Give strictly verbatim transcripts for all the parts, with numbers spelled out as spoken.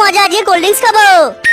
মজা, আজকে cold drinks খাবো।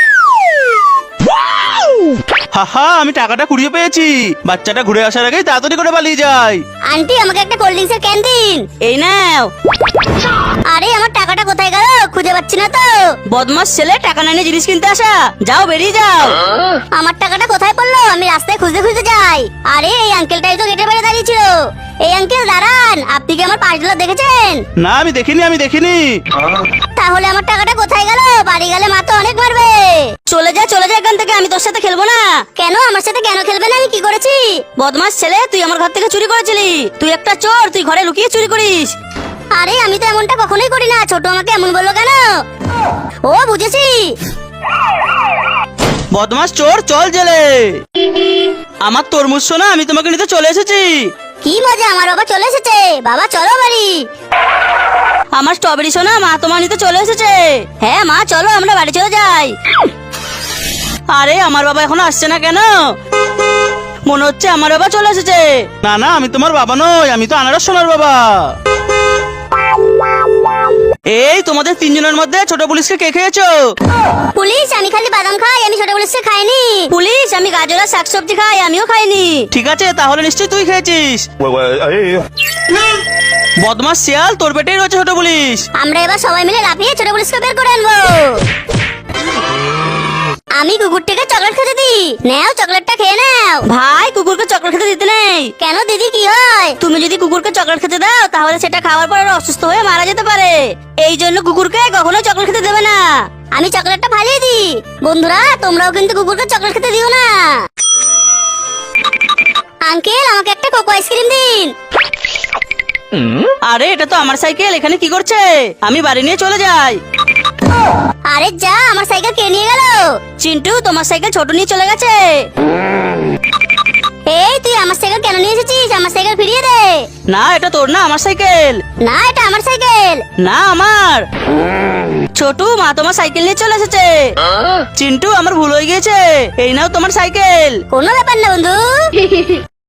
হাহা, আমি টাকাটা কুড়িয়ে পেয়েছি। বাচ্চাটা ঘুরে আসার আগেই তাড়াতাড়ি করে পালিয়ে যায়। আন্টি, আমাকে একটা কোল্ড ড্রিঙ্কসের ক্যান দিন। এই নাও। আরে আমার টাকাটা কোথায় গেল? খুঁজে পাচ্ছি না তো। বদমাস ছেলে, টাকা না নিয়ে জিনিস কিনতে আসা। যাও, বেরিয়ে যাও। আমার টাকাটা কোথায় পড়লো? আমি রাস্তায় খুঁজতে খুঁজতে যাই। আরে এই আঙ্কেলটাই তো গেটের বাইরে দাঁড়িয়ে ছিল। এই আঙ্কেল দাঁড়ান, আপনি কি আমার পাঁচ ডলার দেখেছেন? না, আমি দেখিনি, আমি দেখিনি। তাহলে আমার টাকাটা কোথায় গেল? বাড়ি গেলে মা তো অনেক মারবে। চলে যা, চলে যা এখান থেকে। আমি তোর সাথে খেলবো না। কেন? আমার সাথে কেন খেলবেন? আমি কি করেছি? বদমাস ছেলে, তুই আমার ঘর থেকে চুরি করেছিলি। তুই একটা চোর, তুই ঘরে লুকিয়ে চুরি করিস। আরে আমি তো এমনটা কখনোই করি না। ছোট আমাকে এমন বললো কেন? ও, বুঝেছি। বদমাস চোর, চল জেলে। আমার তরমুজ সোনা, আমি তোমাকে নিতে চলে এসেছি। কি মজা, আমার বাবা চলে এসেছে। বাবা চলো বাড়ি। আমার স্ট্রবেরি সোনা, মা তোমার নিতে চলে এসেছে। হ্যাঁ মা, চলো আমরা বাড়ি চলে যাই। আরে আমার বাবা এখনো আসছে না কেন? মনে হচ্ছে আমার বাবা চলে এসেছে। না না, আমি তোমার বাবা নই, আমি তো আনারস সোনার বাবা। এই তোমাদের তিনজনের মধ্যে ছোট পুলিশকে কে খেয়েছো? পুলিশ, আমি খালি বাদাম খাই, আমি ছোট পুলিশকে খাইনি। পুলিশ, আমি গাজর আর শাকসবজি খাই, আমিও খাইনি। ঠিক আছে, তাহলে নিশ্চয়ই তুই খেয়েছিস। বদমাস শিয়াল, তোর পেটেই রয়েছে ছোট পুলিশ। আমরা এবার সবাই মিলে লাফিয়ে ছোট পুলিশকে বের করে আনবো। আমি কুকুরটাকে চকলেট খেতে দিই। নাও, চকলেটটা খেয়ে নাও। ভাই, কুকুরকে চকলেট খেতে দিতে নেই। কেন দিদি, কি হয়? তুমি যদি কুকুরকে চকলেট খেতে দাও, তাহলে সেটা খাওয়ার পর আরো অসুস্থ হয়ে মারা যেতে পারে। এই জন্য কুকুরকে কখনো চকলেট খেতে দেবে না। আমি চকলেটটা ফালিয়ে দিই। বন্ধুরা, তোমরাও কিন্তু কুকুরকে চকলেট খেতে দিও না। আঙ্কেল, আমাকে একটা কোকো আইসক্রিম দিন। আরে এটা তো আমার সাইকেল, এখানে কি করছে? আমি বাড়ি নিয়ে চলে যাই। আরে যা, আমার সাইকেল কে নিয়ে গেল? চিন্টু, তোমার সাইকেল ছোট নিয়ে চলে গেছে। এই তুই আমার সাইকেল কেন নিয়ে এসেছিস? আমার সাইকেল ফিরিয়ে দে। না, এটা তোর না, আমার সাইকেল। না, এটা আমার সাইকেল। না, আমার। ছোটু, মা তোমার সাইকেল নিয়ে চলে এসেছে। চিন্টু, আমার ভুল হয়ে গিয়েছে। এই নাও তোমার সাইকেল। কোনো ব্যাপার না বন্ধু।